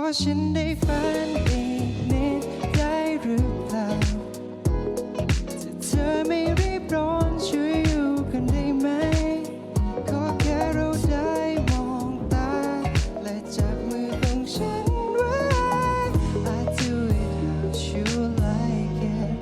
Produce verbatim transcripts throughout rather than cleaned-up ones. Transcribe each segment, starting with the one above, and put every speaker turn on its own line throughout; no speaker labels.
ฉันได้ฝันอีกนิดได้หรือเปล่าถ้าเธอไม่รีบร้อนช่วยอยู่กันได้ไหมขอแค่เราได้มองตาและจับมือของฉันไว้ I do it how you like it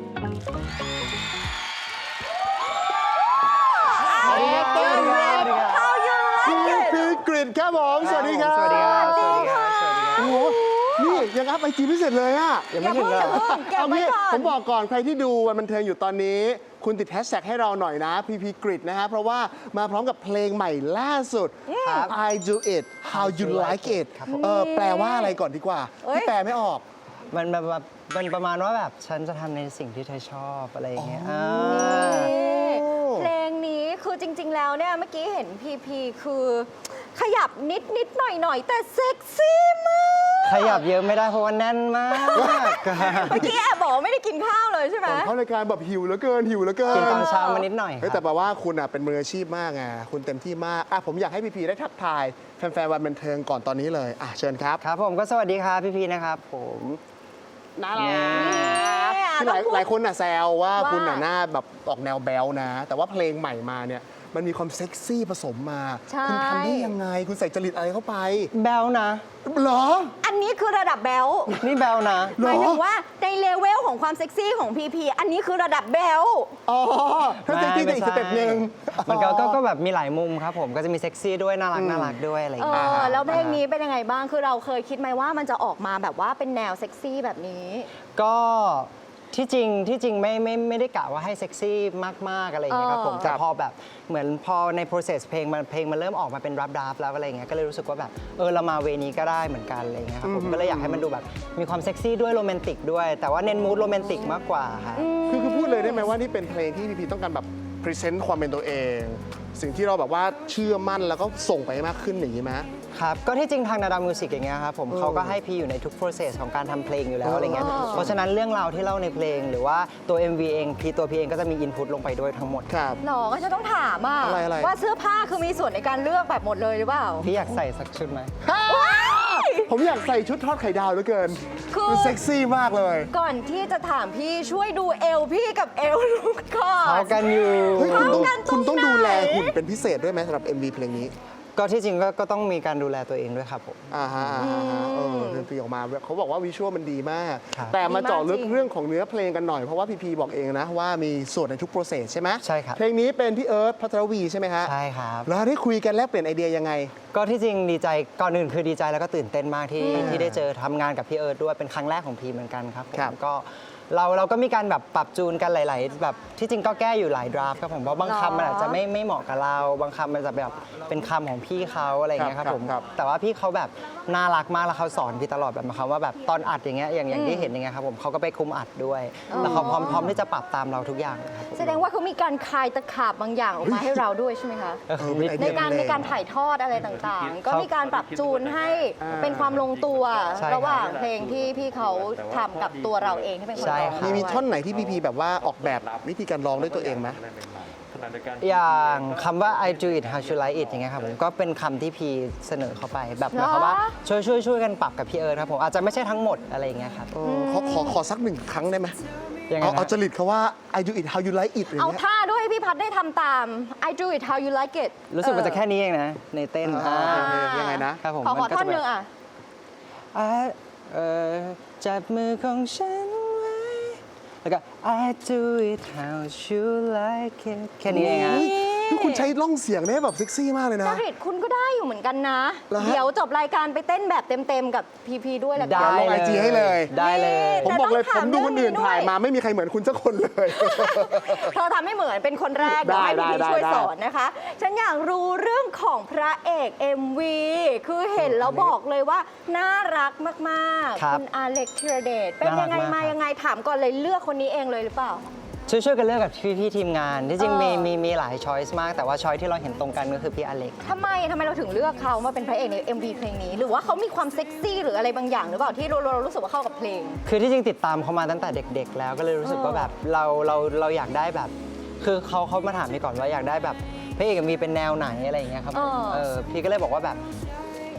คือกริดครับผมสวัสดีครับ
สวัสดีครับ สวัสดีครับ สวัสดีครับ
โอ้โหนี่ยังอัพไอจีไม่เสร็จเลยอ่ะ
ยังไม่ถึงเลย
เอางี้ผมบอกก่อนใครที่ดูวันบันเทิงอยู่ตอนนี้ คุณติดแฮชแท็กให้เราหน่อยนะ พี พี กริดนะฮะเพราะว่ามาพร้อมกับเพลงใหม่ล่าสุด I do it how you like it เออแปลว่าอะไรก่อนดีกว่าที่แปลไม่ออก
มันแบบแบบมันประมาณว่าแบบฉันจะทำในสิ่งที่เธอชอบอะไรอย่างเงี้ยา
เพลงนี้คือจริง ๆ แล้วเนี่ยเมื่อกี้เห็นพีพีคือขยับนิดนิดหน่อยหน่อยแต่เซ็กซี่มาก
ขยับเยอะไม่ได้เพราะว่าแน่นมาก
เมื่อกี้แอบบอกว่าไม่ได้กินข้าวเลยใช่ไหม
ก่อนเข้ารายการแบบหิวเหลือเกินหิวเหลือเกิน
กินตอนเช้ามานิดหน่อยค
เฮ้ย
รั
แต่
บ
แปลว่าคุณอ่ะเป็นมืออาชีพมากไงคุณเต็มที่มากอ่ะผมอยากให้พีพีได้ทักทายแฟนๆวันบันเทิงก่อนตอนนี้เลยอ่ะเชิญครับ
ครับผมก็สวัสดีครับพี่พีนะครับผม
น่ารัก
เนี่ย
คือหลาย
ต้องพูด
หลายคนอ่ะแซวว่า
ว่า
คุณอ่ะหน้าแบบออกแนวแบลนะ แต่ว่าเพลงใหม่มาเนี่ยมันมีความเซ็กซี่ผสมมา
ใช่
คุณทำได้ยังไง คุณใส่จริตอะไรเข้าไป
แบลนะ
เหรอ
อันนี้คือระดับแบล
นี่แบลนะ
เหรอ
หมายถึงว่าในเลเวลของความเซ็กซี่ของพีพีอันนี้คือระดับแบล
อ๋อถ้าเซ็กซี่แต่อีกสเต็ปหนึ่ง
มันก็ก็ก็แบบมีหลายมุมครับผมก็จะมีเซ็กซี่ด้วยน่ารักน่ารักด้วยอะไรอ
เอย่าง
เงี้ย
อแล้วเพลงนี้เป็นยังไงบ้างคือเราเคยคิดไหมว่ามันจะออกมาแบบว่าเป็นแนวเซ็กซี่แบบนี้
ก็ที่จริงที่จริงไม่ไม่ไม่ได้กะว่าให้เซ็กซี่มาก ๆ อะไรอย่างเงี้ยครับผม
เออ
แต่พอแบบเหมือนพอใน process เพลงมันเพลงมันเริ่มออกมาเป็นรับดาฟแล้วอะไรอย่างเงี้ยก็เลยรู้สึกว่าแบบเออเรามาเวนี้ก็ได้เหมือนกันอะไรอย่างเงี้ยครับผมก็เลยอยากให้มันดูแบบมีความเซ็กซี่ด้วยโรแมนติกด้วย แต่ว่าเน้นมูดโรแมนติกมากกว่าครับ
คือคือพูดเลยได้ไหมว่านี่เป็นเพลงที่พีพีต้องการแบบพรีเซนต์ความเป็นตัวเอง สิ่งที่เราแบบว่าเชื่อมั่นแล้วก็ส่งไปให้มากขึ้นอย่างนี้ไหม
ครับก็ที่จริงทางนาดามิวสิกอย่างเงี้ยครับผมเขาก็ให้พี่อยู่ในทุก process ของการทำเพลงอยู่แล้วอะไรเงี้ย
อ๋อ
เพราะฉะนั้นเรื่องราวที่เล่าในเพลง หรือว่าตัว เอ็ม วี เองพี่ตัวพี่เองก็จะมี input ลงไปด้วยทั้งหมด
ครับ
หรอก็จะต้องถามอ่ะ
อะไรอะไร
ว่าเสื้อผ้าคือมีส่วนในการเลือกแบบหมดเลยหรือเปล่า
พี่อยากใส่สักชุดไหม
ผมอยากใส่ชุดทอดไข่ดาวเหลือเกิน
คือ
มันเซ็กซี่มากเลย
ก่อนที่จะถามพี่ช่วยดูเอวพี่กับเอวลูกก่อน
เขากันอยู่
เฮ้ยคุณต้อง
เข้ากันตรง
คุณต้อง
ไหน
ดูแลหุ่นเป็นพิเศษด้วยไหมสำหรับ เอ็ม วี เพลงนี้
ก็ที่จริงก็ก็ต้องมีการดูแลตัวเองด้วยครับผม
อ่าฮะอ่าฮะเออดนตรีออกมาเขาบอกว่าวิชวลมันดีมาก
ครับ
แต่มาเจาะลึก
ดีมากจริง
เรื่องของเนื้อเพลงกันหน่อย เพราะว่าพีพีบอกเองนะว่ามีส่วนในทุกโปรเซสใช่ไหม
ใช่ครับ
เพลงนี้เป็นพี่เอิร์ธพัทรวีใช่ไหมฮะ
ใช่ครับ
แล้วได้คุยกันแลกเปลี่ยนไอเดียยังไง
ก็ที่จริงดีใจก่อนอื่นคือดีใจแล้วก็ตื่นเต้นมากที่
อืม
ที่ได้เจอทำงานกับพี่เอิร์ธด้วยเป็นครั้งแรกของพีเหมือนกันครับผม
ครับ
ก็เราเราก็มีการแบบปรับจูนกันหลาย ๆ แบบที่จริงก็แก้อยู่หลายดราฟครับผมเพราะบางคำมันอาจจะไม่ไม่เหมาะกับเรา บางคำมันจะแบบเป็นคำของพี่เขาอะไรอย่างเงี้ยครับผม
ครับ
แต่ว่าพี่เขาแบบน่ารักมากแล้วเขาสอนพี่ตลอดแบบหมายความว่าแบบตอนอัดอย่างเงี้ยอย่างอย่างที่เห็นอย่างเงี้ยครับผมเขาก็ไปคุมอัดด้วย แล้วเขาพร้อมพร้อมที่จะปรับตามเราทุกอย่างนะครับผม
แสดงว่าเขามีการคลายตะขาบบางอย่างออกมาให้เราด้วยใช่ไหมคะ
เออ
เออเป็นไอ
ใน
เดีย
การ
เพล
ใน
ง
การถ่ายทอดอะไรต่างๆ ก็มีการปรับจูนให้
อ่า
เป็นความลงตัว
ใช่ครับ
ระหว่างเพลงที่พี่เขาทำกับตัวเราเองที่เป็นคน
ใช่
ร้อง
ครับ
มีมี
ด้วย
ท่อนไหนที่พีพีแบบว่าออกแบบวิธีการร้องด้วยตัวเองไหม
อย่างคำว่า I do it how you like it อย่างเงี้ยครับผมก็เป็นคำที่พีเสนอเข้าไปแบบหมายความว่าช่วยช่วยช่วยกันปรับกับพี่เอิร์ธครับผมอาจจะไม่ใช่ทั้งหมดอะไรอย่างเงี้ยครับ
เออขอขอขอสักหนึ่งครั้งได้ไหม
ยังไง
เอา
นะ
เอาจริตเขาว่า I do it how you like it อย่าง
เอา
เงี้ย
ท่าด้วยให้พี่พัดได้ทำตาม I do it how you like it
รู้สึกมันจะแค่นี้เองนะ ในเต้น
อ่า
อ่า
โอเคยังไงนะ
ครับผม
ขอขอ
มัก็
ท่อน
จะ
หนึ่งอ่ะ
อ่าเอ่อจับมือของฉันไว้แล้วก็ I do it how you like it แค่นี้เองอะ
คือคุณใช้ร่องเสียงได้แบบเซ็กซี่มากเลย
จ
นะ
ริตคุณก็ได้อยู่เหมือนกันนะ
เหรอฮะ
เดี๋ยวจบรายการไปเต้นแบบเต็มๆกับพีพีด้วยแล้วกั
ได้
ลง
เล
ไอย จีให้เลย
ได้เลย
ผมบอกเลย
แต่
ผ
ต้อง
มดูคนอื่น
ถามเรื่องนี้ด้วย
ถ่ายมาไม่มีใครเหมือนคุณสักคนเลย
เธอทำให้เหมือนเป็นคนแรกเดี๋ยวให้
ได้
พี่
ได้
ช่วย
ได้
สอนนะคะ ฉันอยากรู้เรื่องของพระเอก เอ็ม วี คือเห็นแล้วบอกเลยว่า น่ารักมาก
ครับ
ๆ คุณอาเล็กธีรเดชเป็นยังไง
น่ารักมาก
มายังไงถามก่อนเลยเลือกคนนี้เองเลยหรือเปล่า
ช่วยช่วยกันเลือกกับพี่พี่ๆทีมงาน ที่จริง
เออ
มีมีมีหลายช้อยส์มาก แต่ว่าช้อยที่เราเห็นตรงกันก็คือพี่อเล็ก
ทำไมทำไมเราถึงเลือกเขามาเป็นพระเอกใน เอ็ม วี เพลงนี้ หรือว่าเขามีความเซ็กซี่หรืออะไรบางอย่างหรือเปล่าที่เราเรารู้สึกว่าเข้ากับเพลง
คือที่จริงติดตามเขามาตั้งแต่เด็ก ๆ แล้วก็เลยรู้สึกว่าแบบเราเราเราอยากได้แบบ คือเขาเขามาถามพี่ก่อนว่าอยากได้แบบพระเอกมีเป็นแนวไหนอะไรอย่างเงี้ยครับผม
เออ
เออพี่ก็เลยบอกว่าแบบ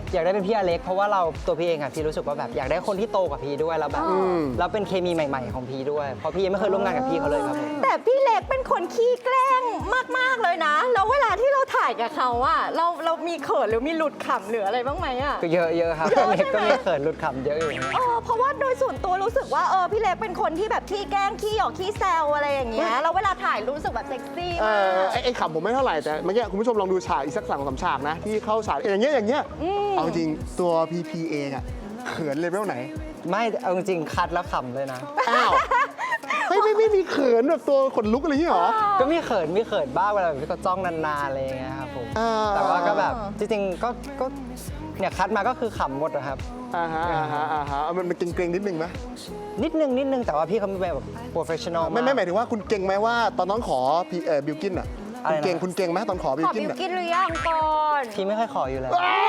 อยากได้เป็นพี่อเล็กเพราะว่าเราตัวพี่เองอะพี่รู้สึกว่าแบบอยากได้คนที่โตกว่าพี่ด้วยแล้วแบบแล้วเป็นเคมีใหม่ๆของพี่ด้วยเพราะพี่ยังไม่เคยร่วมงานกับพี่เขาเลยครับผม
แต่พี่เล็กเป็นคนขี้แกล้งมาก ๆ เลยนะ แล้วเวลาที่เราถ่ายกับเขาอะเราเรามีเขินหรือมีหลุดขำหรืออะไรบ้างไหมอะ
ก็เยอะเยอะครับ
เยอะ
เล็กก็
ใช่ไหม
มีเขินหลุดขำเยอะอยู่นะ
เออเพราะว่าโดยส่วนตัวรู้สึกว่าเออพี่เล็กเป็นคนที่แบบขี้แกล้งขี้หยอกขี้แซวอะไรอย่างเงี้ยแล้วเวลาถ่ายรู้สึกแบบเซ็กซี่
เอ
มา
อก ไอ้ไอ้ขำผมไม่เท่าไหร่แต่เมื่อกี้คุณผู้ชมลองดูฉากอีกสักสองสามฉากนะ ที่เข้าฉากอย่างเงี้ยอย่างเงี้ยเอาจริงตัวพีพีเองอะเขินเลเวลไหน
ไม่เอาจริงๆคัดแล้วขำเลยนะ
อ้าวไม่ไม่ไม่มีเขินแบบตัวขนลุกอะไรอย่างเงี้ยเหรอ
ก็มีเขินมีเขินบ้างเวลาแบบพี่ก็จ้องนานๆอะไรอย่างเงี้ยครับผม
อ่า
แต่ว่าก็แบบจริงๆก็ก็เนี่ยคัดมาก็คือขำหมดนะครับ
อ่าฮะอ่าฮะอ่าฮะเอามันมันเกรงๆนิดนึงไหม
นิดนึงนิดนึงแต่ว่าพี่เขาเป็นแบบโปรเฟชชั่นอล
ไม่ไม่หมายถึงว่าคุณเก่งไหมว่าตอนน้องขอพี่เอ่อบิลกินอ่ะ
อะไร
คุณ
นะ
เก่งคุณเก่งไหมตอนขอบิ
ข
ล
อ
กิน
บิว
อ่ะ
กินหรือยังก่อน
พี่ไม่ค่อยขออยู่แล้ว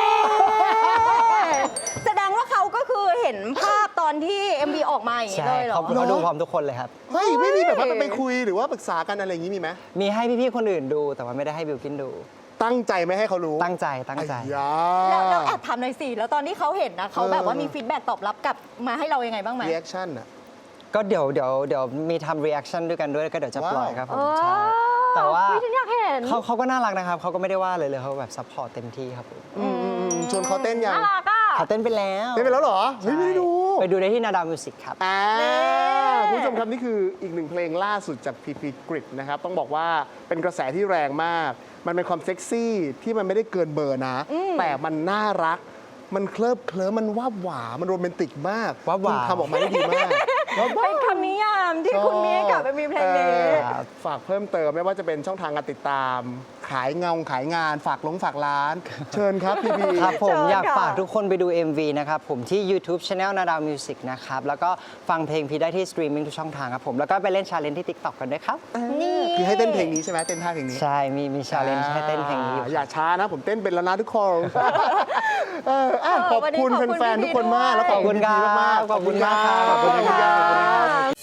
แสดงว่าเขาก็คือเห็นภาพตอนที่ เอ็ม วี ออกมาอย่างนี้
ใช่
เลยเหรอ
เขาเขาดูพร้อมทุกคนเลยครับ
เฮ้ยไม่มีแบบว่าไปคุยหรือว่าปรึกษากันอะไรอย่างงี้มีไหม
มีให้พี่ๆคนอื่นดูแต่ว่าไม่ได้ให้บิวกินดู
ตั้งใจไม่ให้เขารู้
ตั้งใจตั้งใจ
ไอ้ยา
แล้วแล้วแอบถามหน่อยสิ แล้วตอนที่เขาเห็นนะเขาแบบว่ามีฟีดแบ็กตอบรับกลับมาให้เรายังไงบ้างไหม
รีแอคชั่นอ่ะ
ก็เดี๋ยวเดี๋ยวเดี๋ยวมีทำรีแอคชั่นด้วยกันด้วยก็เดี๋ยวจะปล่อยครับผม
เออ
ใช่แต่ว่า
พี่ฉันอยากเห็น
เขาเขาก็น่ารักนะครับเขาก็ไม่ได้ว่าเลยเลยเขาแบบซัพพอร์ตเต็มที่ครับผม
อืมอืมอืมชวนเขาเต้นยัง
น่ารักอ่ะ
เขาเต้นไปแล้ว
เต้นไปแล้วเหรอเฮ้ยไม่ได้ดู
ไปดูได้ที่นาดาวมิวสิกครับ
อ่า
นี่
คุณผู้ชมครับนี่คืออีกหนึ่งเพลงล่าสุดจากพีพีกริดนะครับต้องบอกว่าเป็นกระแสที่แรงมาก มันเป็นความเซ็กซี่ที่มันไม่ได้เกินเบอร์นะ แต่มันน่ารัก มันเคลิบเคลิ้มมันวาบหวามันโรแมนติกมาก
วาบหวา
คุณทำออกมาได้ดีมากวาบหวา
เป็นคำนิยามที่คุณมีให้กับเอ็ม วี เพลงนี้
เออฝากเพิ่มเติมไม่ว่าจะเป็นช่องทางการติดตาม ขายเงาขายงาน ฝากลงฝากร้าน เชิญครับพีพี
ครับผม
เชิญ
อยาก
ค่ะ
ฝากทุกคนไปดู เอ็ม วี นะครับผมที่ YouTube Channel นาดาวมิวสิกนะครับ แล้วก็ฟังเพลงพี่ได้ที่สตรีมมิ่งทุกช่องทางครับผม แล้วก็ไปเล่นชาเลนจ์ที่ TikTok กันด้วยครับ
นี่
คือให้เต้นเพลงนี้ใช่ไหมเต้นท่าเพลงนี้
ใช่ มีมีชาเลนจ์ให้เต้นเพลงนี้อยู่
อย่าช้านะ ผมเต้นเป็นแล้วนะทุกคน เอออ่ะ
เออ
ขอบ
วันนี้
คุณ
ขอบคุณ
แฟนๆ
พี่
ทุกคนมาก
ด้วย
แล้วขอบคุณ
ขอบคุณ
พีพีมากๆ
ครับขอบคุณมาก
ขอบคุณครับ
ขอบคุณค่ะ